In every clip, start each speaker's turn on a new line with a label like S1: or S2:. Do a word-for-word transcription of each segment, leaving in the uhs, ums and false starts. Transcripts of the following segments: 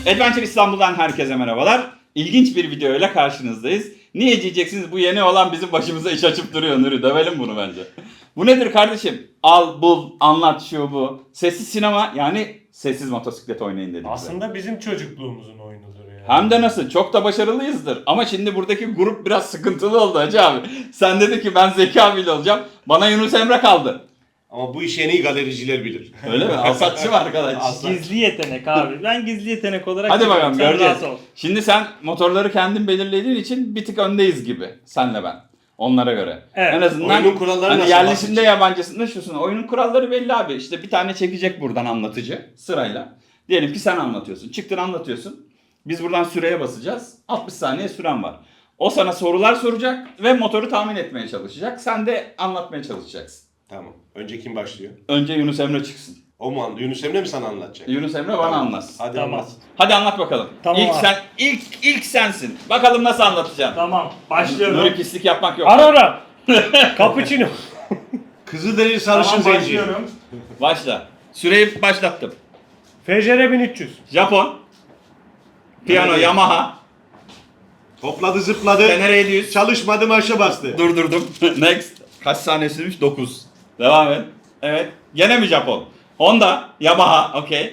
S1: Adventure İstanbul'dan herkese merhabalar. İlginç bir video ile karşınızdayız. Niye diyeceksiniz, bu yeni olan bizim başımıza iş açıp duruyor Nuri. Dövelim bunu bence. Bu nedir kardeşim? Al, bul, anlat, şu bu. Sessiz sinema, yani sessiz motosiklet oynayın dedik.
S2: Aslında bize. Bizim çocukluğumuzun oyunudur yani.
S1: Hem de nasıl? Çok da başarılıyızdır. Ama şimdi buradaki grup biraz sıkıntılı oldu Hacı abi. Sen dedin ki ben Zeki abiyle olacağım. Bana Yunus Emre kaldı.
S3: Ama bu işi en iyi galericiler bilir.
S1: Öyle mi? Alsatçı var arkadaş.
S3: Aslan.
S4: Gizli yetenek abi. Ben gizli yetenek olarak...
S1: Hadi bakalım,
S4: Sen
S1: göreceğiz.
S4: rahat ol.
S1: Şimdi sen motorları kendin belirlediğin için bir tık öndeyiz gibi. Senle ben. Onlara göre.
S4: Evet.
S1: En azından
S3: Oyunun kuralları
S1: hani
S3: nasıl
S1: yerlisinde
S3: bahsedecek?
S1: yabancısında şusun. Oyunun kuralları belli abi. İşte bir tane çekecek buradan anlatıcı sırayla. Diyelim ki sen anlatıyorsun. Çıktın anlatıyorsun. Biz buradan süreye basacağız. altmış saniye süren var. O sana sorular soracak ve motoru tahmin etmeye çalışacak. Sen de anlatmaya çalışacaksın.
S3: Tamam. Önce kim başlıyor?
S1: Önce Yunus Emre çıksın.
S3: O mu anladı? Yunus Emre mi sana anlatacak?
S1: Yunus Emre bana
S3: Tamam.
S1: anlatsın.
S3: Hadi
S4: Tamam.
S3: anlat.
S1: Hadi anlat bakalım.
S4: Tamam
S1: ilk
S4: abi.
S1: sen ilk ilk sensin. Bakalım nasıl anlatacaksın.
S4: Tamam. Başlıyorum.
S1: Nuri pislik yapmak yok.
S2: Aurora. Cappuccino.
S3: Kızılderili sarışın
S4: Tamam,
S3: zenci.
S4: başlıyorum.
S1: Başla. Süreyi başlattım.
S2: F J R bin üç yüz.
S1: Japon. Piyano
S3: Evet.
S1: Yamaha.
S3: Hopladı zıpladı.
S1: Tenere yedi yüz.
S3: Çalışmadı marşa bastı.
S1: Durdurdum. Next. Kaç saniye sürmüş? dokuz. Devam et. Evet. Gene mi Japon? Honda. Yamaha. Okey.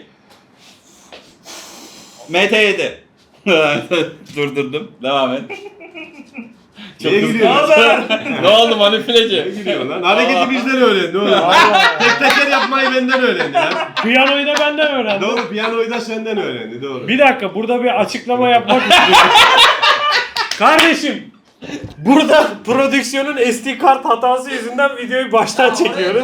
S1: M T yedi. Durdurdum. Devam et.
S3: Niye
S1: hızlı.
S3: gülüyorsun?
S1: Ne oldu manipüleci?
S3: Ne gülüyorsun lan? Hareketi bizden öğrendi oğlum. Tek teker yapmayı benden öğrendi lan.
S2: Piyanoyu da benden öğrendim.
S3: Doğru, piyanoyu da senden öğrendi. Doğru.
S2: Bir dakika, burada bir açıklama yapmak istiyorum. Kardeşim, burada prodüksiyonun S D kart hatası yüzünden videoyu baştan çekiyoruz.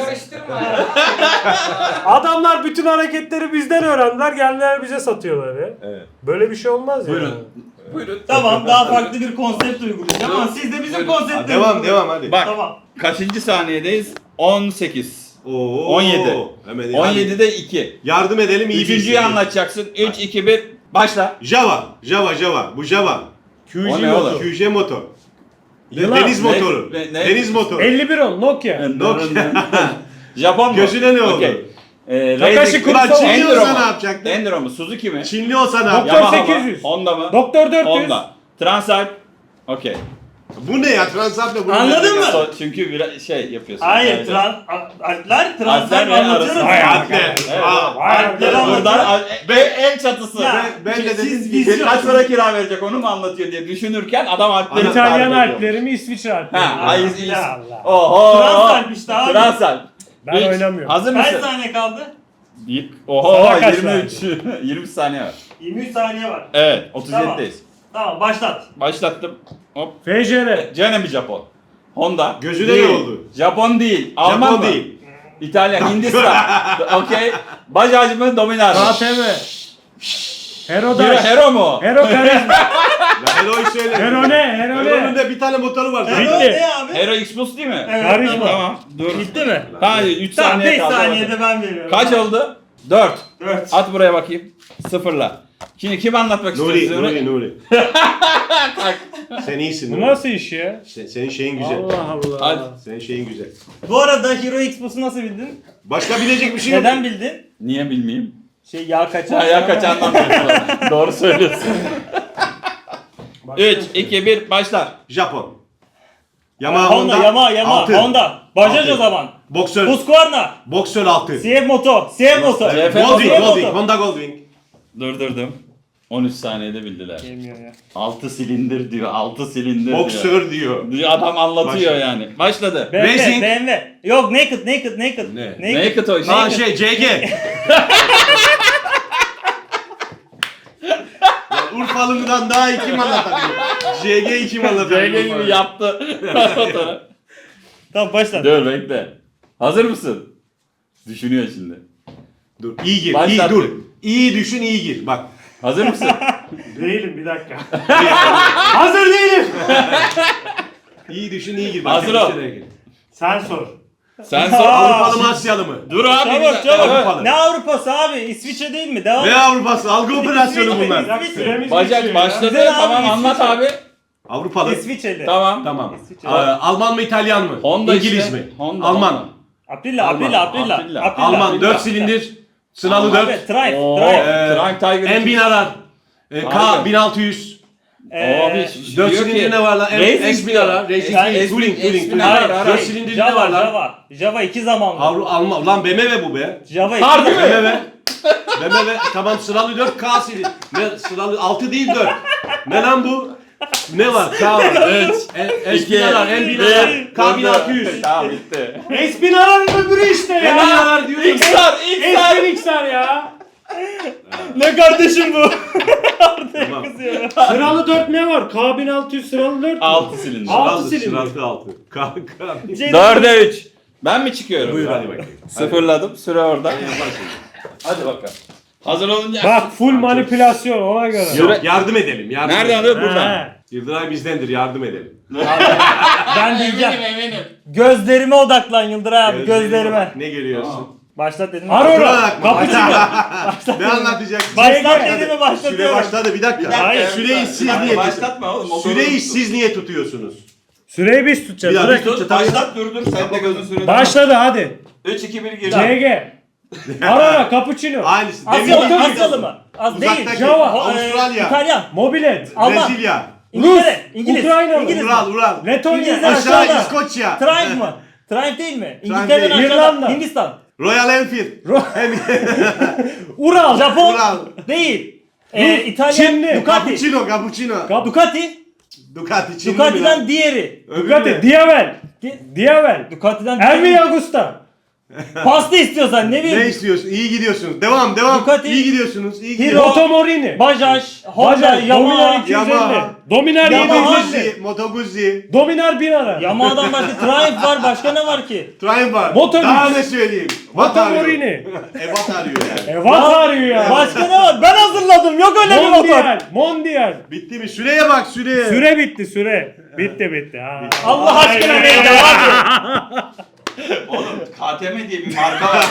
S2: Adamlar bütün hareketleri bizden öğrendiler, geldiler bize satıyorlar ya.
S3: Evet.
S2: Böyle bir şey olmaz ya.
S1: Buyurun. Buyurun.
S4: Tamam, daha farklı bir konsept uygulayacağım ama siz de bizim
S1: Buyurun.
S3: Ha,
S4: konseptimizi
S3: devam
S4: uygulayın.
S3: devam hadi.
S1: Bak.
S4: Tamam.
S1: Kaçıncı saniyedeyiz? on sekiz.
S3: Oo.
S1: on yedi.
S3: Hemen hadi.
S1: on yedide iki.
S3: Yardım edelim iyi
S1: Üçüncüyü
S3: bilsin.
S1: anlatacaksın. üç, iki, bir. Başla.
S3: Java. Java Java. Bu Java.
S1: O
S2: Q J
S1: ne
S2: motor.
S1: oğlum?
S3: Q J motor.
S2: Yılan.
S3: Deniz
S1: Ne-
S3: motoru.
S1: ne- ne-
S3: Deniz motoru.
S2: elli bir on Nokia.
S3: Nokia.
S1: Japon mu?
S3: Gözüne ne oldu?
S1: Okey. Ee,
S2: Takashi
S1: Razer-
S3: Ulan
S2: Kurosawa.
S3: Çinli
S1: Enduro
S3: olsa
S1: mu?
S3: ne yapacaktın?
S1: Enduro mu? Suzuki mi?
S3: Çinli olsa ne
S2: Doktor
S3: yapacaktın?
S1: Yamaha mı?
S2: sekiz yüz.
S1: Honda mı?
S2: Doktor dört yüz.
S1: Honda. Transalp. Okey.
S3: Bu ne ya? Transalp'le bunu
S4: Anladın
S3: nereden
S4: mı?
S3: geldi?
S1: So- çünkü bir şey yapıyorsun.
S4: Hayır,
S1: Evet.
S4: trans, a- alpler,
S1: Alpler
S4: transfer
S1: ve
S4: anlatıyoruz.
S1: arası.
S2: Hayır.
S3: Alpler.
S1: Evet.
S3: Aa,
S4: Alpleri
S1: Buradan
S4: anlatıyoruz.
S1: al- e- el çatısı.
S4: Ya,
S3: ben de dedim
S4: siz
S3: ki-
S4: vizyon.
S1: Kaç para kira verecek onu mu anlatıyor diye düşünürken adam Alpleri
S2: İtalyan
S1: tarif ediyor.
S2: Alpleri mi, İsviçre Alpleri mi?
S1: Ha, ay, iz- iz-
S2: Allah Allah.
S1: Oho.
S4: Transalp işte abi.
S1: Transalp.
S2: Ben
S1: Üç.
S2: oynamıyorum.
S1: Hazır
S4: Kaç
S1: mısın?
S4: saniye kaldı?
S1: Bir- Oho
S2: Sana kaç
S1: yirmi üç. yirmi saniye var.
S4: yirmi üç saniye var.
S1: Evet otuz yedideyiz.
S4: Tamam, başlat.
S1: Başlattım. Hop.
S2: F J R.
S1: Gene mi Japon? Honda.
S3: Gözüne
S1: Değil.
S3: ne oldu?
S1: Japon değil. Alman
S3: Japon
S1: mı?
S3: değil.
S1: İtalyan, Hindistan. Okey. Bajaj mı? Dominar mı?
S2: K T M. Hero
S1: Hero,
S2: Dash.
S1: Hero mu?
S2: Hero Karizma.
S3: Ben Hero'yu söyledim.
S2: Hero ne? Hero
S3: Hero'nun
S2: ne?
S3: da bir tane motoru var zaten.
S4: Hero
S2: Bitti.
S4: ne abi?
S1: Hero X-Plus değil mi?
S4: Evet,
S2: Karizma.
S1: Tamam. Dur.
S4: Bitti mi?
S1: Hayır üç
S4: Tamam,
S1: saniye
S4: beş
S1: kaldı.
S4: saniyede ben veriyorum.
S1: Kaç oldu? dört.
S4: dört.
S1: At buraya bakayım. Sıfırla. Şimdi kim anlatmak
S3: Nuri,
S1: istiyorsun?
S3: Nuri, Nuri. Sen iyisin
S2: Bu
S3: Nuri.
S2: nasıl iş ya?
S3: Sen- senin şeyin güzel.
S2: Allah Allah.
S1: Hadi.
S3: Senin şeyin güzel.
S4: Bu arada Hero Xbox'u nasıl bildin?
S3: Başka bilecek bir şey yok.
S4: Neden bildin?
S1: Niye bilmeyeyim?
S4: Şey, yağ kaçan.
S1: Ha, ya kaçandan biliyorsun. Doğru söylüyorsun. üç, iki, bir başlar.
S3: Japon. Yamaha
S4: Honda, Yamaha, Yamaha,
S3: altı.
S4: Honda. Bajaj
S3: Altı.
S4: o zaman.
S3: Boksör.
S4: Husqvarna.
S3: Boksör altı.
S4: C F Moto. C F Moto.
S1: C F
S3: Goldwing,
S4: C F
S3: Goldwing.
S4: Moto.
S3: Honda Goldwing.
S1: Durdurdum. on üç saniyede bildiler.
S4: Gelmiyor ya.
S1: altı silindir diyor. altı silindir diyor.
S3: Boksör diyor.
S1: Diyor, adam anlatıyor
S3: Başla.
S1: yani. Başladı.
S4: B M W,
S3: Racing.
S4: B M W. Yok, naked, naked, naked.
S3: Ne?
S4: Naked.
S1: Naked o
S3: Ha
S1: şey.
S3: şey C G. Lan Urfalı'dan daha iyi kim anlatabilir? C G kim anlatabilir?
S1: C G gibi yaptı.
S4: Tamam, başla.
S1: Dur bekle. Hazır mısın? Düşünüyor şimdi.
S3: Dur. İyi gir.
S1: Başlat.
S3: İyi dur. İyi düşün, iyi gir. Bak.
S1: Hazır mısın?
S2: Değilim, bir dakika. Hazır değilim.
S3: İyi düşün, iyi gir. Bak,
S1: Hazır
S3: sen
S1: ol.
S3: içine gir.
S2: Sen sor.
S1: Sen sor.
S3: Avrupalı mı Asyalı mı?
S1: Dur abi. bir
S4: Çabuk
S1: dakika.
S4: çabuk.
S3: Avrupalı.
S4: Ne Avrupa'sı abi? İsviçre değil mi? Devam
S3: Ne
S4: et.
S3: Avrupası? Algı operasyonu
S4: İsviçre,
S3: bunlar.
S4: İsviçre.
S2: Süremiz
S1: Bacak
S2: bitiyor ya.
S1: başladı.
S4: Güzel abi,
S1: Tamam anlat
S4: İsviçre.
S1: abi.
S3: Avrupalı.
S4: İsviçreli.
S1: Tamam.
S3: Tamam.
S4: İsviçre.
S3: Ee, Alman mı İtalyan mı?
S1: Honda
S3: İngiliz
S1: işte.
S3: mi?
S1: Honda,
S3: Alman.
S1: Honda.
S4: Aprilla,
S3: Alman.
S4: Aprilla, Aprilla.
S1: Aprilla.
S4: Aprilla.
S3: Alman.
S1: Aprilla.
S3: dört silindir. Sınalı
S1: Alman.
S4: Abi,
S3: dört.
S4: Triumph,
S1: Oo,
S4: Triumph.
S3: Ee,
S1: Trunk Tiger.
S3: En bin arar. E, K
S1: Harika.
S3: bin altı yüz.
S4: Ee,
S1: Abi
S3: dört
S1: diyor
S3: silindir
S1: ki-
S3: ne var lan?
S1: Racing
S3: S bin ara. Racing
S1: Yani
S3: değil. Touring,
S1: S bin
S3: Touring, Touring.
S4: Hayır,
S1: Hayır,
S3: dört
S4: hayır.
S3: silindir ne
S4: Java,
S3: var lan?
S4: Java. Java iki zamanlı.
S3: Avru Alman. Lan B M W bu be.
S4: Java iki
S1: Harbi mi?
S4: zamanlı.
S3: B M W. B M W tamam sıralı dört K silindir. Ne sıralı altı değil dört. Ne lan bu? Ne var? K var. Evet. S bin arar, M bin arar, K bin altı yüz.
S1: Tamam bitti.
S2: S bin aranın öbürü işte
S3: M bin
S2: ya.
S3: arar diyorum.
S1: X'lar, X'lar.
S2: S bin X'ler ya.
S4: Ne kardeşim bu?
S3: Tamam.
S2: Sıralı dört ne var? K bin altı yüz sıralı dört mü?
S1: altı silindir.
S2: Altı
S3: Sıralı,
S2: silindir.
S3: sıralı altı. K, K.
S4: Şey-
S1: dörde üç. Ben mi çıkıyorum?
S3: Buyur hadi bakayım.
S1: Sıfırladım. Süre orada. Hadi bakalım. Hazır olunca.
S2: Bak full manipülasyon ona göre.
S3: Yok, yardım edelim. Yardım
S1: Nereden
S3: edelim.
S1: alıyor? Buradan.
S2: He.
S3: Yıldıray bizdendir, yardım edelim.
S4: Ben diyeceğim.
S1: eminim.
S4: Gözlerime odaklan Yıldıray abi, gözlerime.
S3: bak, Ne görüyorsun?
S4: Başlat dedim.
S2: Aurora.
S3: Durarak mı?
S2: Cappuccino.
S3: Ne anlatacaksın?
S4: Başlat
S2: Süre
S4: dedi mi
S3: Süre
S4: başlatıyorum.
S3: başladı bir dakika.
S2: Hayır.
S3: Süreyi siz
S1: Hadi
S3: niye
S1: başlatma oğlum. o
S3: Süreyi
S1: doğru.
S3: siz niye tutuyorsunuz?
S2: Süreyi biz tutacağız.
S3: Bir dakika.
S2: Bırak.
S1: Tut, başlat dur dur. Sen de gözün sürede.
S2: Başladı hadi.
S1: üç iki bir gir.
S2: C G. Aurora, Cappuccino.
S3: Aynısı.
S4: Asyalı,
S3: Demin-
S4: Asyalı mı? Az değil.
S3: Uzaktaki
S2: Java,
S4: Ho- e,
S3: Avustralya,
S4: İtalyan.
S2: Mobilet.
S4: Alman.
S3: Brezilya,
S4: İngiltere. İngiliz.
S2: Ukrayna,
S4: İngiliz.
S3: Ural, Ural.
S2: Letonya.
S4: İngilizler
S3: Aşağı
S4: aşağıda.
S3: İskoçya.
S4: Triumph mı? Triumph değil mi?
S3: Triumph
S4: İngiltere'den
S3: değil.
S4: aşağıda.
S2: İrlanda.
S4: Hindistan.
S3: Royal Enfield.
S2: Ural.
S4: Japon.
S3: Ural.
S4: Değil. Ee,
S2: Rus,
S4: İtalyan.
S2: Çinli.
S4: Ducati.
S3: Cappuccino, cappuccino.
S2: Kap-
S4: Ducati.
S3: Ducati, Çinli mi
S4: Ducati'den
S3: lan?
S4: diğeri.
S3: Öbürü
S2: Ducati.
S3: ne?
S2: Diavel.
S4: Di-
S2: Diavel.
S4: Ducati'den
S2: Elvi
S4: diğeri.
S2: Agusta.
S4: Pasta istiyorsan ne
S3: Ne
S4: bileyim.
S3: istiyorsun? İyi gidiyorsunuz. Devam, devam.
S4: Ducati.
S3: İyi gidiyorsunuz. iyi
S4: Hero.
S3: gidiyorsunuz.
S2: Moto Morini.
S4: Bajaj. Honda.
S2: Bajaj.
S4: Yamaha.
S2: Dominar iki yüz elli.
S3: Yamaha.
S2: Dominar
S4: Yamaha.
S2: yedi yüz elli.
S3: Guzzi, Moto Guzzi.
S2: Dominar bin ara.
S4: Yamaha'dan başka Triumph var. Başka ne var ki?
S3: Triumph var.
S2: Moto
S3: Daha
S2: Guzzi.
S3: ne söyleyeyim?
S2: Moto
S3: Vat arıyor.
S2: Morini.
S3: Evat arıyor yani.
S2: Evat arıyor ya.
S4: Başka ne var? Ben hazırladım. Yok öyle bir motor.
S2: Mondial. Mondial.
S3: Bitti mi? Süreye bak süreye.
S2: Süre bitti süre. Bitti bitti. Ha.
S4: Allah aşkına
S2: Ay,
S4: beni de abi.
S1: Oğlum K T M diye bir marka var.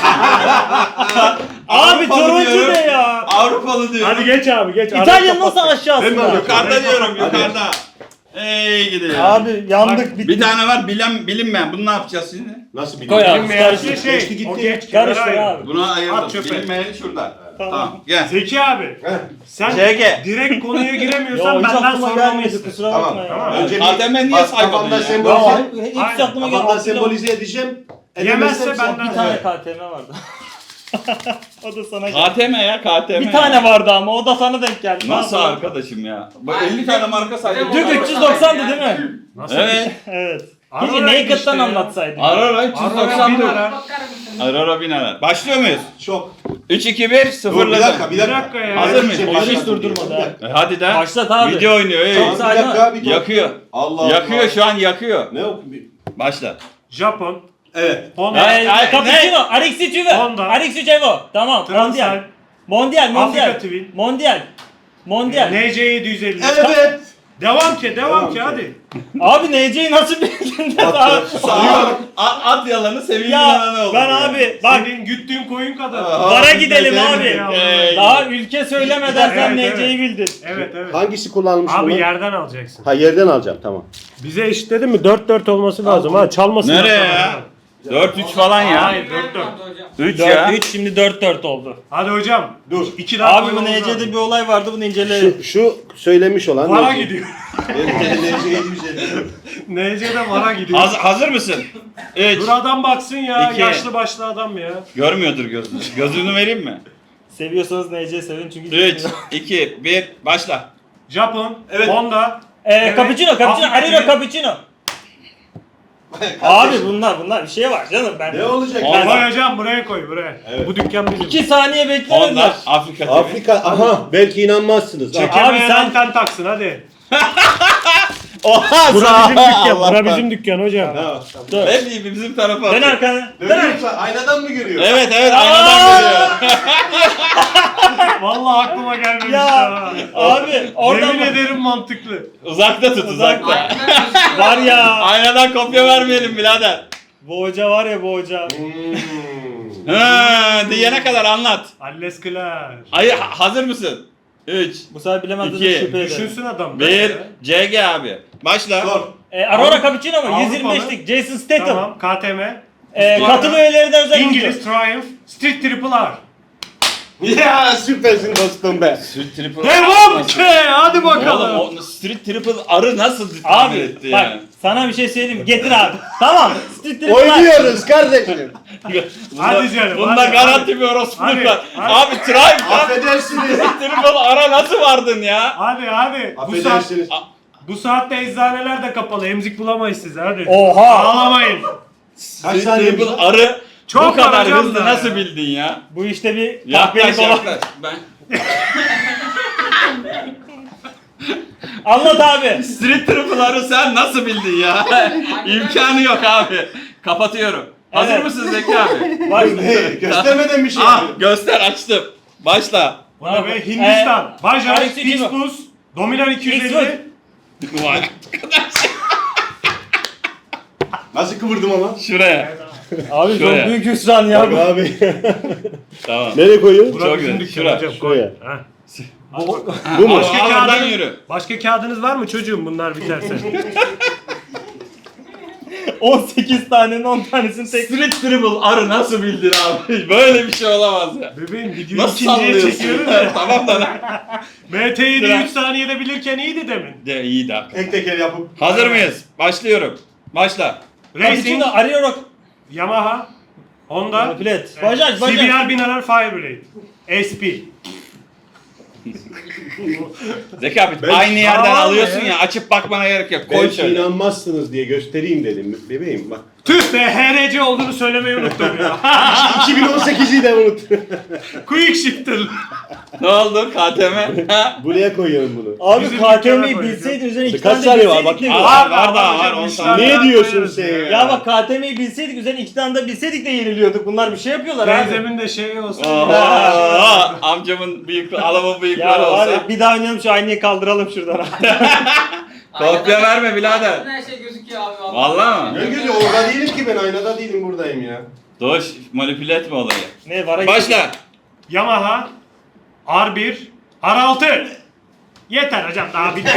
S4: Abi
S1: Avrupalı
S4: turuncu
S1: diyorum.
S4: ne ya?
S1: Avrupalı diyorum.
S2: Hadi geç abi geç.
S4: İtalya
S2: Arayı
S4: nasıl
S2: kapat.
S4: aşağısında?
S3: Ben mi alıyorum?
S1: Yukarıda diyorum
S3: Hadi.
S1: yukarıda. Ey gidiyor.
S4: Abi yandık bitti.
S1: Bir tane var bilen bilinmeyen. Bunu ne yapacağız şimdi?
S3: Nasıl
S4: Koy
S3: biliyorsun?
S4: abi.
S2: Bilinmeyen
S4: Karıştır.
S2: şey,
S3: Geçti gitti.
S2: o geç.
S4: Karıştır
S2: kenara
S4: abi.
S1: Bunu
S2: At
S1: ayırdım.
S2: çöpe.
S1: Bilinmeyeni şurada.
S4: Tamam.
S1: Tamam. Gel.
S2: Zeki abi. Sen
S1: C G.
S2: direkt konuya
S4: Yo,
S2: giremiyorsan
S4: hiç
S2: benden
S4: aklıma gelmedi
S2: sormalısın.
S4: kusura
S3: Tamam.
S4: bakma ya.
S2: Tamam.
S3: Önce
S1: K T M niye
S3: bas-
S1: saymadın
S3: kafamda
S1: ya?
S3: sembolize,
S4: Ya, hiç
S2: Aynen.
S4: aklıma
S3: kafamda
S4: gelmedi.
S3: sembolize edeceğim.
S2: Yemezse
S3: Edemezsem
S2: benden-
S4: Bir tane
S3: Evet.
S4: K T M vardı. O da sana geldi.
S1: K T M ya K T M.
S4: Bir tane vardı ama o da sana denk geldi.
S1: Nasıl
S4: Ne yapalım?
S1: arkadaşım ya? Bu elli tane marka saydım.
S4: Dük üç yüz doksandı değil mi?
S2: Nasıl?
S1: Evet.
S4: Evet.
S2: Aurora
S4: Keşke Naked'dan
S2: işte ya.
S4: anlatsaydın.
S1: Aurora üç yüz
S2: Aurora
S1: doksan
S2: bin
S1: dört.
S2: ara.
S1: Aurora bin ara. Başlıyor muyuz?
S3: Çok.
S1: üç iki bir
S3: Dur bir
S1: sıfırladım.
S3: dakika bir dakika.
S2: Bir dakika ya.
S1: Hazır mıyız?
S3: Başlatın
S4: Oyunu hiç
S3: diye.
S4: durdurmadı ha.
S1: E, hadi de.
S4: Başlat abi.
S1: Video oynuyor. ey.
S4: Çok
S3: Bir
S4: sağ-
S3: dakika bir dur.
S1: Yakıyor.
S3: Allah Allah.
S1: Yakıyor şu an yakıyor.
S3: Ne o?
S1: Başla.
S2: Japon.
S3: Evet.
S2: Honda.
S4: Ee,
S1: Ay,
S4: Cappuccino, Alex üç Evo.
S2: Honda.
S4: Alex üç Evo. Tamam.
S2: Transal.
S4: Mondial. Mondial, Mondial.
S2: Afrika Twin.
S4: Mondial. Mondial.
S2: N C yedi yüz elli.
S3: Evet.
S2: Devam ki, devam
S3: Devam
S2: ki
S3: ki.
S2: hadi.
S4: Abi N C'yi nasıl bildin? Abi,
S1: Sağ at yalanı sevimli
S4: ya
S1: yalanı oldu.
S4: ben abi bak
S2: Senin güttüğün koyun kadar.
S1: Aa.
S4: bara gidelim
S3: Aa,
S4: abi.
S2: ya.
S1: Ey.
S4: Daha ülke söylemeden sen
S2: Evet,
S4: N C'yi bildin.
S2: Evet evet.
S5: Hangisi kullanılmış
S2: Abi
S5: bunu?
S2: yerden alacaksın.
S5: Ha yerden alacağım tamam.
S2: Bize eşitledin mi? dört dört olması lazım ha. Çalmasın.
S1: Nereye ya? dört üç falan ya.
S2: Hayır dört dört.
S1: üç ya.
S4: dört üç şimdi dört dört oldu.
S2: Hadi hocam.
S3: Dur.
S2: İki daha
S4: Abi bu
S2: koymamız
S4: N C'de
S2: lazım.
S4: bir olay vardı bunu inceleyelim.
S5: Şu, şu söylemiş olan.
S2: Vara
S5: neydi?
S2: gidiyor.
S3: Benim N C yedi yüz elli.
S2: N C'de vara gidiyor.
S1: Hazır, hazır mısın? üç.
S2: Dur adam baksın ya.
S1: İki.
S2: Yaşlı başlı adam ya.
S1: Görmüyordur gözünü. Gözünü vereyim mi?
S4: Seviyorsanız N C sevin çünkü.
S1: üç, iki, bir, başla.
S2: Japon.
S3: Evet.
S2: Honda.
S4: Eee
S2: Evet.
S4: Cappuccino, Cappuccino,
S2: Afrika
S4: Ariro
S2: Twin.
S4: Cappuccino. Abi bunlar bunlar bir şey var canım ben.
S3: Ne olacak?
S1: Honda.
S2: Koy hocam buraya koy buraya.
S3: Evet.
S2: Bu dükkan bizim.
S4: İki saniye beklemediler.
S1: Honda, Afrika T V.
S5: Afrika aha belki inanmazsınız. Ha.
S2: Çekemeyen
S4: Abi sen-
S2: anten taksın hadi.
S1: Oha
S2: Bura
S1: sağ
S2: bizim dükkan.
S1: Allah.
S2: Bura bizim dükkan hocam.
S3: Tamam.
S4: Dur.
S1: Hep iyi bizim tarafa.
S4: Dön
S1: atıyor.
S4: arkana. Dön
S3: Dönüyorsa aynadan mı görüyor?
S1: Evet evet aynadan görüyor.
S2: Vallahi aklıma gelmemiş
S4: Ya
S2: ya.
S4: abi oradan
S2: Yemin
S4: bak.
S2: ederim mantıklı.
S1: Uzakta tut uzakta.
S4: Var ya.
S1: Aynadan kopya vermeyelim birader.
S4: Bu hoca var ya bu hoca.
S3: Hmm.
S1: Ha, diyene kadar anlat.
S2: Alles klar.
S1: Ay ha- hazır mısın? üç,
S4: Bu sefer bilemezseniz
S1: İki.
S4: şüphe ederim.
S2: Düşünsün adam.
S1: bir, C G abi. Başla.
S3: Sor.
S4: E, Aurora Cappuccino mu?
S2: Avrupalı.
S4: yüz yirmi beşlik Jason Statham.
S2: Tamam K T M.
S4: E, katıl üyelerinden özel
S2: İngiliz
S4: oyuncu.
S2: Triumph. Street Triple R.
S5: Ya süpersin dostum be.
S1: Street Triple
S2: Devam ki. Hadi bakalım.
S1: Oğlum o Street Triple arı nasıl tahmin
S4: Abi
S1: etti
S4: bak
S1: yani?
S4: sana bir şey söyleyeyim. Getir abi. Tamam. Street Triple
S5: Oynuyoruz kardeşim.
S2: Hadi canım,
S1: Bunda
S2: hadi,
S1: garanti bir orospuluk
S2: Hadi,
S1: var.
S2: hadi.
S1: Abi Tribe lan.
S5: Affedersiniz.
S1: Street Triple ara nasıl vardın ya?
S2: Hadi hadi. Bu, saat,
S5: Affedersiniz.
S2: bu saatte eczaneler de kapalı. Emzik bulamayız size hadi.
S4: Oha.
S2: Ağlamayın.
S5: Kaç
S1: Street
S5: saniye
S1: Triple arı
S2: Çok
S1: bu kadar
S2: arayacağım
S1: hızlı
S2: da
S1: nasıl
S2: ya.
S1: bildin ya?
S4: Bu işte bir
S1: Yaklaş
S4: kahpelik olan.
S1: yaklaş. Ben...
S4: Anlat abi.
S1: Street Triple arı sen nasıl bildin ya? İmkanı yok abi. Kapatıyorum. Hazır
S4: Evet.
S1: mısın Zeki abi?
S4: Bak.
S5: Hey, göstermeden bir şey
S1: Ah
S5: yapıyorum.
S1: göster açtım. Başla.
S2: Bana be Hindistan. Bajaj,
S4: Alex Üçüncü.
S2: Pixbus, Dominar iki yüz
S4: X
S2: elli.
S1: Vay.
S5: Nasıl kıvırdım ama?
S1: Şuraya.
S4: Abi
S1: Şuraya.
S4: çok büyük hüsran ya.
S5: Bak abi.
S1: Tamam.
S5: Nereye koyuyorsun?
S2: Burak
S1: Çok
S2: bizim
S1: güzel.
S2: dükkan
S1: Şuraya,
S2: hocam. Koy.
S5: şuraya.
S2: Ha.
S4: Bu,
S5: Bu mu?
S2: Başka
S1: Al, al, oradan
S2: kağıdınız,
S1: yürü.
S2: başka kağıdınız var mı çocuğum bunlar biterse?
S4: on sekiz tanenin on tanesini tek.
S1: Street Triple arı nasıl bildin abi? Böyle bir şey olamaz ya.
S2: Bebeğim videoyu
S1: Nasıl
S2: ikinciye
S1: sallıyorsun?
S2: çekiyoruz ya.
S1: Tamam da lan.
S2: M T yedi
S1: Bırak.
S2: üç saniyede bilirken iyiydi demin.
S1: De iyi de. hakikaten.
S5: Tek teker yapıp.
S1: Hazır mıyız? Başlıyorum. Başla.
S2: Racing,
S4: Cappuccino arıyor.
S2: Yamaha, Honda,
S4: Manipület. Bajaj
S2: C
S4: bajaj.
S2: B R bin arar Fireblade, S P.
S1: Zeki abi
S5: Ben-
S1: aynı yerden
S2: Tamam
S1: alıyorsun
S2: ya.
S1: ya. Açıp bakmana gerek yok. Koy
S5: Belki
S1: şöyle.
S5: inanmazsınız diye göstereyim dedim. Bebeğim bak.
S2: Tüh be H R C olduğunu söylemeyi unuttum ya.
S5: iki bin on sekizi de unut.
S2: Quick Shifter.
S1: Ne oldu K T M? Ha?
S5: Buraya koyuyorum bunu.
S4: Abi
S2: Bizim
S4: K T
S2: dükkana
S4: M'yi
S2: koyacağız.
S4: bilseydin üzerine iki
S5: Kaç
S4: tane de
S5: saniye var?
S4: bilseydik
S5: Bak-
S4: ne
S1: Aa,
S4: güzel.
S1: var daha var,
S2: hocam,
S1: on
S2: işler
S1: tane.
S5: Ne
S2: daha
S5: diyorsun
S2: koyarız
S5: sen ya?
S4: Ya bak K T M'yi bilseydik üzerine iki tane de bilseydik de yeniliyorduk. Bunlar bir şey yapıyorlar abi.
S2: Teyzemin de şeyi olsun.
S1: Oha, amcamın bıyıklı, alamın bıyıkları
S4: Ya var
S1: olsa.
S4: ya bir daha oynayalım şu aynayı kaldıralım şuradan.
S1: Kopya verme birader.
S6: Her şey gözüküyor abi. vallahi.
S1: Vallahi
S5: Ne
S1: mı?
S5: gözü orada değilim ki ben aynada değilim buradayım ya.
S1: Doğuş manipüle etme olayı.
S4: Ne var?
S1: Başla.
S2: Yamaha, R bir, R altı. Yeter hocam daha bitti.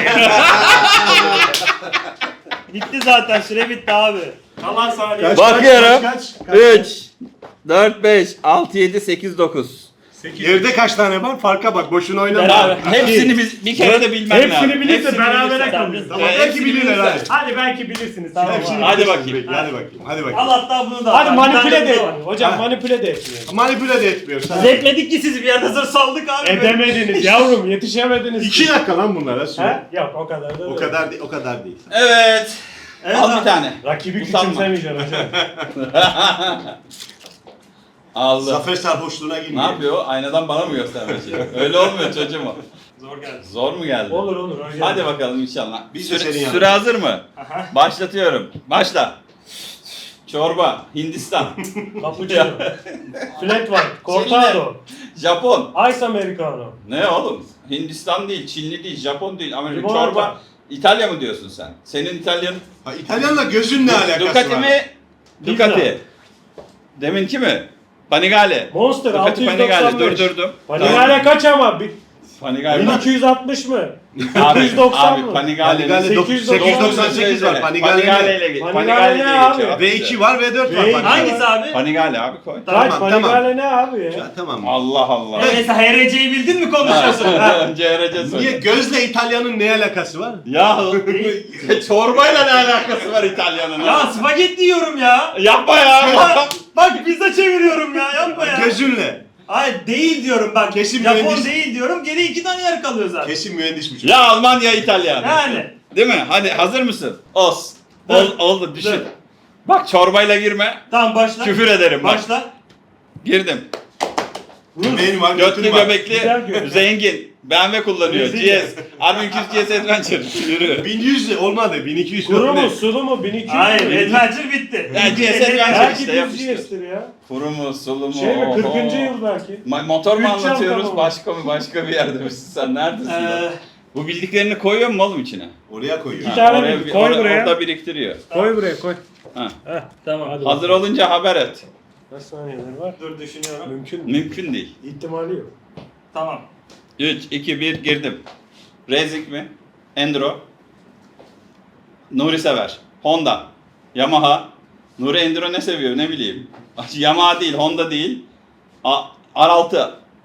S4: Bitti zaten süre bitti abi.
S2: Kalan saniye.
S5: Kaç,
S1: Bakıyorum.
S5: kaç, kaç, kaç,
S1: üç, dört, beş, altı, yedi, sekiz, dokuz.
S2: sekiz.
S5: Evde kaç tane var? Farka bak. Boşuna oynama.
S4: Beraber.
S1: Hepsini biz bir kere de bilmen lazım.
S2: Hepsini bilirse
S1: Hepsini
S2: berabere
S1: bilirsen.
S2: kalırız.
S5: Tamam,
S1: Evet,
S5: belki
S1: hepsini
S5: bilirler
S1: bilirsen.
S5: hadi.
S2: Hadi belki bilirsiniz.
S4: Tamam.
S5: Hepsini
S1: Hadi
S5: bilirsiniz
S1: bakayım.
S5: belki. Hadi bakayım. Hadi bakayım.
S4: Al hatta bunu da.
S2: Hadi
S4: Bir
S2: manipüle
S4: tane
S2: de
S4: bu var.
S2: etmiyor. Hocam
S5: Ha.
S2: manipüle de etmiyor.
S5: Manipüle de etmiyor. Sen.
S4: Biz etmedik ki sizi bir yerden sonra saldık abi.
S2: Edemediniz yavrum yetişemediniz.
S5: İki dakika lan bunlara süre.
S2: He? Yok o kadar da
S5: O
S2: değil.
S5: kadar değil. O kadar değil.
S1: Evet.
S4: Evet
S1: Al
S4: abi.
S1: bir tane.
S2: Rakibi
S1: Utanma.
S2: küçümsemeyeceksin hocam.
S1: Aldı.
S5: Zafer sarhoşluğuna
S1: Ne
S5: girmiyor.
S1: yapıyor? Aynadan bana mı göstermek için? Öyle olmuyor çocuğum o.
S2: Zor geldi.
S1: Zor mu geldi?
S2: Olur olur. öyle
S1: Hadi
S2: geldi.
S1: bakalım inşallah.
S5: Biz de
S1: süre,
S5: senin
S1: süre
S5: yanında.
S1: hazır mı? Başlatıyorum. Başla. Çorba, Hindistan,
S2: Cappuccino. Flat white. Cortado.
S1: Japon.
S2: Ice Americano.
S1: Ne oğlum? Hindistan değil, Çinli değil, Japon değil, Amerika.
S2: Limonata.
S1: Çorba. İtalya mı diyorsun sen? Senin İtalyan
S5: Ha, İtalyanla gözün ne alakası
S1: Ducati
S5: var?
S1: mi? Ducati. Deminki mi? Panigale.
S2: Monster
S1: Ducati
S2: altı yüz
S1: Panigale.
S2: doksan beş.
S1: Durdurdum.
S2: Panigale kaç ama? Bi-
S1: Panigale.
S2: bin iki yüz altmış mı?
S1: Abi,
S2: dokuz yüz doksan
S1: abi
S2: mı?
S1: Panigale'nin
S5: Panigale
S2: sekiz yüz doksan
S5: sekiz yüz doksan sekiz var. Panigale
S1: Panigale
S5: ne?
S1: ile ge-
S2: Panigale
S1: Panigale
S2: ne
S1: diye
S2: abi?
S1: geçiyor.
S5: V iki var, V dört var.
S2: V iki.
S5: Panigale.
S4: Hangisi abi?
S1: Panigale abi koy.
S2: Kaç
S5: Tamam,
S2: Panigale ne abi ya?
S5: Ya, tamam.
S1: Allah Allah.
S4: Mesela H R C'yi bildin mi konuşuyorsun? Ha.
S1: C R C söyle.
S5: Niye gözle İtalyanın ne alakası var?
S1: Ya çorbayla ne alakası var İtalyan'ın?
S4: Ya spagetti yiyorum ya.
S1: Yapma ya.
S4: Bak, bak pizza çeviriyorum ya yapma ya.
S5: Gözünle.
S4: Hayır değil diyorum bak.
S5: Kesin
S4: Japon
S5: mühendis.
S4: değil diyorum. Geri iki tane yer kalıyor zaten.
S5: Kesin mühendis bu çocuk.
S1: Ya Alman ya İtalyan.
S4: Yani.
S1: Değil mi? Hadi hazır mısın? Os. Ol, oldu düşün.
S4: Dur.
S1: Bak çorbayla girme.
S4: Tamam başla.
S1: Küfür ederim bak.
S4: Başla.
S1: Girdim.
S5: Benim var,
S1: Götlü
S5: götüm var.
S1: göbekli,
S2: Güzel gör.
S1: zengin. B M W kullanıyor.
S2: Rezil.
S1: G S. Armin iki yüz G S Adventure. Yürü.
S5: bin yüz olmadı, bin iki yüz
S2: Kuru
S5: oldu.
S2: mu sulu mu bin iki yüz
S4: Hayır
S2: mü?
S4: adventure bitti.
S1: Ya G S Adventure
S2: Belki
S1: işte
S2: düz
S1: yapıştır.
S2: G S'tir ya.
S1: Kuru mu, sulu mu?
S2: Şey mi
S1: oho.
S2: kırkıncı yıl belki.
S1: Ma- motor mu
S2: Üç yıl
S1: anlatıyoruz?
S2: tamam.
S1: Başka mı? Başka bir yerde misin sen? Neredesin?
S4: Ee,
S1: lan? Bu bildiklerini koyuyor mu oğlum içine?
S5: Oraya koyuyor.
S1: Ha,
S2: tane
S1: oraya-
S2: bildi, koy
S1: oraya-
S2: buraya.
S1: Orada biriktiriyor.
S2: Koy buraya koy.
S1: Ha.
S2: Heh.
S4: tamam.
S2: Hadi
S1: Hazır
S2: bakalım.
S1: olunca haber et.
S2: Kaç saniyeler var?
S4: Dur düşünüyorum.
S2: Mümkün mü?
S1: Mümkün değil.
S2: İhtimali yok.
S4: Tamam.
S1: üç, iki, bir girdim. Racing mi? Enduro. Nuri sever. Honda. Yamaha. Nuri Enduro ne seviyor ne bileyim. Yamaha değil, Honda değil. A- R altı.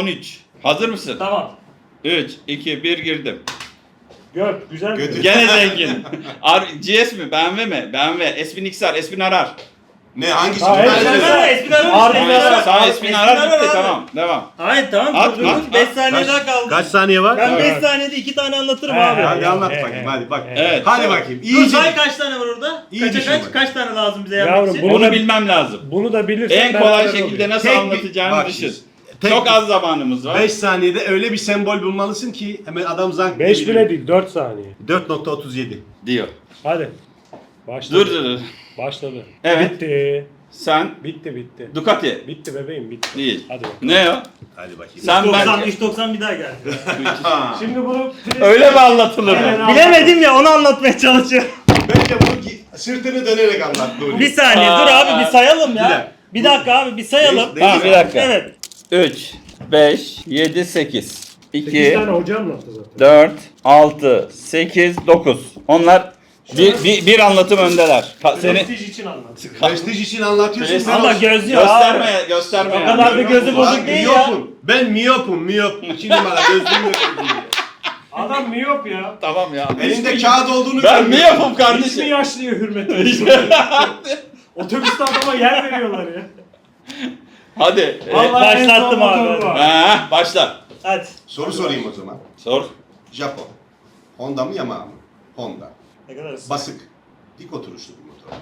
S1: on üç. Hazır mısın?
S4: Tamam.
S1: üç, iki, bir girdim.
S2: Gök güzel.
S5: Götür.
S2: mi?
S1: Gene zengin. R- G S mi? B M W mi? B M W. S bin X R, S bin Arar.
S5: Ne hangisi?
S2: Ha,
S5: Ben
S2: evet,
S5: de-
S2: evet.
S4: Esmer Esmer
S2: Harbi
S4: Esmer
S2: ya.
S4: Arar.
S1: Sağ S bin
S4: Esmer
S1: Arar
S4: Arar
S1: bitti
S4: abi.
S1: tamam. Devam.
S4: Hayır tamam.
S1: At,
S4: dur,
S1: at,
S4: dur. beş
S1: at.
S4: saniye
S5: Kaç-
S4: daha kaldı.
S5: Kaç saniye var?
S4: Ben beş
S2: Evet.
S4: saniyede iki tane anlatırım
S2: Evet.
S4: abi.
S5: Hadi anlat
S2: Evet,
S5: bakayım
S2: evet.
S5: hadi bak.
S1: Evet.
S5: Hadi bakayım.
S4: Dur
S5: İyice.
S4: say kaç tane var orada?
S5: İyi
S4: Kaça
S5: düşün
S4: kaç?
S5: bak.
S4: Kaç tane lazım bize yapmak
S2: Yavrum,
S4: için?
S2: bunu
S1: Onu
S2: da-
S1: bilmem lazım.
S2: Bunu da bilirsen
S1: En kolay
S2: beraber
S1: şekilde
S2: oluyor.
S1: nasıl
S5: Tek bir-
S1: anlatacağını
S5: bak
S1: düşün.
S5: şimdi, tek
S1: Çok
S5: bir-
S1: az zamanımız var.
S5: beş saniyede öyle bir sembol bulmalısın ki hemen adam zank
S2: beş
S5: diye
S2: bile
S5: bilir.
S2: değil dört saniye.
S5: dört nokta otuz yedi.
S1: Diyor.
S2: Hadi. Başladı.
S1: Dur dur dur.
S2: Başladı.
S1: Evet.
S2: Bitti.
S1: Sen
S2: Bitti bitti.
S1: Ducati
S2: Bitti bebeğim bitti.
S1: değil.
S2: Hadi bakalım.
S1: Ne o?
S5: Hadi bakayım.
S1: Sen
S4: doksan,
S1: bence...
S4: üç doksan bir daha geldi.
S5: Ha.
S2: Şimdi bunu
S1: Öyle mi anlatılır?
S2: Evet.
S4: Bilemedim ya onu anlatmaya çalışıyorum.
S5: Bence bunu gi- sırtını dönerek anlat Nuri.
S4: Bir saniye
S1: Aa.
S4: dur abi bir sayalım
S5: Bir
S4: ya.
S5: dakika.
S4: Bir dakika abi bir sayalım.
S5: Değil-
S1: Tamam bir dakika.
S4: Evet.
S1: üç, beş, yedi, sekiz,
S2: sekiz
S1: iki,
S2: tane hoca anlattı zaten.
S1: dört, altı, sekiz, dokuz. Onlar bir, bir, bir anlatım öndeler. Ka- seni
S2: Prestij için anlattı.
S5: Prestij için anlatıyorsun.
S1: Prestij-
S5: ben
S4: Ama
S5: o-
S4: gözlüyor abi.
S1: gösterme, gösterme.
S4: O
S1: yani.
S4: kadar da gözü
S5: Lan
S4: bozuk değil ya.
S5: miyopum. Ben miyopum miyop. İki numara gözlüğüm yok.
S2: Adam miyop ya.
S1: Tamam ya.
S5: Elinde kağıt olduğunu
S1: Ben mi
S5: görmüyorum.
S1: yapım
S2: Hiç mi
S1: kardeşim?
S2: yaşlıya hürmet ediyor? Otobüste adama yer veriyorlar ya.
S1: Hadi. e,
S2: Vallahi en son
S4: başlattım
S2: motoru
S4: abi.
S2: var.
S1: ha, başla.
S4: Hadi.
S5: Soru sorayım o zaman.
S1: Sor.
S5: Japon. Honda mı Yamaha mı? Honda.
S4: Ne kadar ısrar.
S5: Basık. Dik oturuşlu bir motor.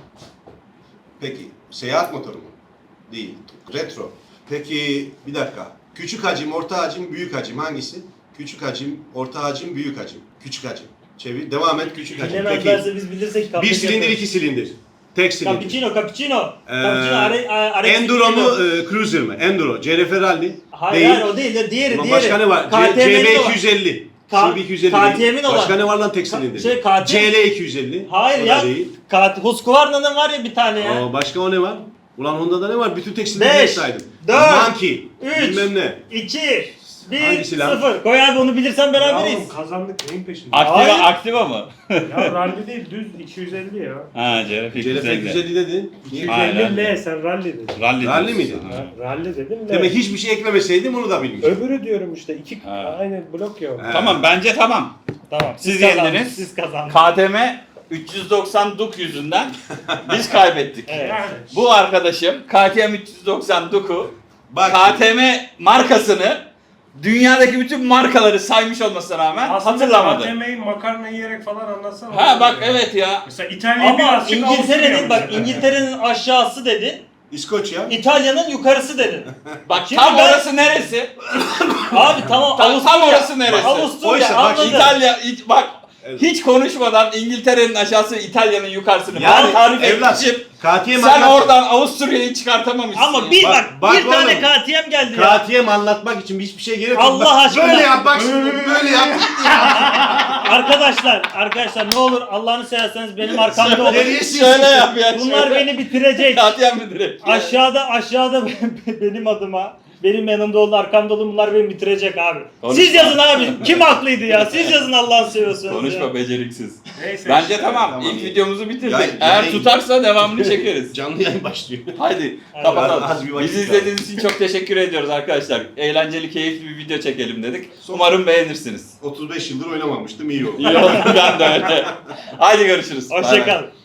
S5: Peki seyahat motoru mu? Değil. Retro. Peki bir dakika. Küçük hacim, orta hacim, büyük hacim hangisi? Küçük hacim, orta hacim, büyük hacim. Küçük hacim. Çevir. Devam et küçük hacim. Peki.
S4: Bilemezlerse biz bilirsek
S5: Bir
S4: kapıyı
S5: silindir,
S4: yaparız.
S5: iki silindir. Tek silindir.
S4: Cappuccino, cappuccino.
S5: Ee,
S4: Cappuccino, are, are,
S5: Enduro mu, e, Cruiser mı? Enduro. C R F Rally.
S4: Hayır,
S5: Değil.
S4: hayır o değil de diğeri
S5: Ulan
S4: diğeri.
S5: başka ne var?
S4: K T M'nin
S5: C B
S4: olan.
S5: iki yüz elli.
S4: K-
S5: C B iki yüz elli
S4: K T M'nin
S5: değil.
S4: olan.
S5: Başka ne var lan tek silindir?
S4: Şey, K T M.
S5: C L iki yüz elli.
S4: Hayır
S5: O da
S4: ya.
S5: değil.
S4: Kat Husqvarna'nın var ya bir tane ya.
S5: Aa, başka o ne var? Ulan Honda'da ne var? Bütün tek silindirleri
S4: Beş,
S5: saydım.
S4: dört,
S5: Monkey.
S4: üç.
S5: Bilmem ne.
S4: iki, bir,
S5: Hangisi lan?
S4: sıfır. Koy abi onu bilirsen beraberiz.
S2: Yavrum kazandık neyin peşinde?
S1: Aktiva,
S4: Hayır.
S1: aktiva mı?
S2: Ya rally değil düz iki yüz elli ya.
S1: ha, C R F
S5: C L F iki yüz elli dedin.
S1: Hayır,
S2: iki yüz elli
S1: rally.
S2: L sen rally dedin.
S1: Rally,
S5: Rally
S1: diyorsun.
S5: miydi?
S1: Ha.
S2: Rally dedim L.
S5: Demek hiçbir şey eklemeseydim onu da bilmiş.
S2: Öbürü diyorum işte iki
S1: Ha.
S2: aynı blok ya.
S5: Ha.
S1: Tamam bence tamam.
S4: Tamam.
S1: Siz
S4: kazandınız,
S1: yendiniz.
S4: Siz kazandınız.
S1: K T M üç yüz doksan Duke yüzünden biz kaybettik.
S4: Evet.
S2: Yani.
S1: Bu arkadaşım K T M üç yüz doksan Duke'u
S5: Bak.
S1: K T M markasını dünyadaki bütün markaları saymış olmasına rağmen
S2: Aslında
S1: hatırlamadı.
S2: K T M'yi makarna yiyerek falan anlatsana.
S1: Ha bak evet ya.
S2: Mesela İtalya'yı
S4: Ama
S2: birazcık
S4: İngiltere'nin
S2: Avusturya
S4: bak
S2: mesela.
S4: İngiltere'nin aşağısı dedin.
S5: İskoçya.
S4: İtalya'nın yukarısı dedin.
S1: Bak
S4: Şimdi
S1: tam
S4: ben-
S1: orası neresi?
S4: Abi tamam
S1: Tam-
S4: Avusturya.
S1: tam orası neresi?
S4: Avusturya
S5: Oysa bak
S4: anladım.
S1: İtalya hiç, bak
S5: Evet.
S1: hiç konuşmadan İngiltere'nin aşağısı İtalya'nın yukarısını
S5: Yani
S1: ben tarif
S5: evlat.
S1: etmişim.
S5: K T M
S1: Sen
S5: anlat-
S1: oradan Avusturya'yı çıkartamamışsın.
S4: Ama
S1: ya.
S4: bir
S5: Bak,
S4: bak,
S5: bak
S4: bir tane
S5: oğlum.
S4: K T M geldi ya.
S5: K T M anlatmak için hiçbir şey gerek yok.
S4: Allah
S5: Bak,
S4: aşkına.
S5: Böyle yap bak şimdi böyle yap.
S4: Arkadaşlar, arkadaşlar ne olur Allah'ını severseniz benim arkamda olun.
S5: Nereye
S1: Şöyle yap ya.
S4: Bunlar
S1: şöyle.
S4: beni bitirecek.
S1: Katliam mı direkt?
S4: Aşağıda aşağıda benim adıma benim yanımda olun arkamda olun bunlar beni bitirecek abi.
S1: Konuşma.
S4: Siz yazın abi. Kim haklıydı ya? Siz yazın Allah'ını seviyorsunuz
S1: Konuşma
S4: ya.
S1: beceriksiz.
S2: Neyse.
S1: Bence
S2: işte.
S1: tamam.
S5: tamam,
S1: İlk
S5: iyi.
S1: videomuzu bitirdik.
S5: Yayın-
S1: Eğer
S5: yayın-
S1: tutarsa devamını çekeriz.
S5: Canlı yayın başlıyor.
S1: Haydi
S4: Hadi.
S1: kapatalım.
S5: Az bir vakit
S1: Bizi izlediğiniz için çok teşekkür ediyoruz arkadaşlar. Eğlenceli, keyifli bir video çekelim dedik. Umarım beğenirsiniz.
S5: otuz beş yıldır oynamamıştım iyi oldu.
S1: İyi oldu ben de öyle. Haydi görüşürüz. Bay bay.
S4: Hoşçakalın.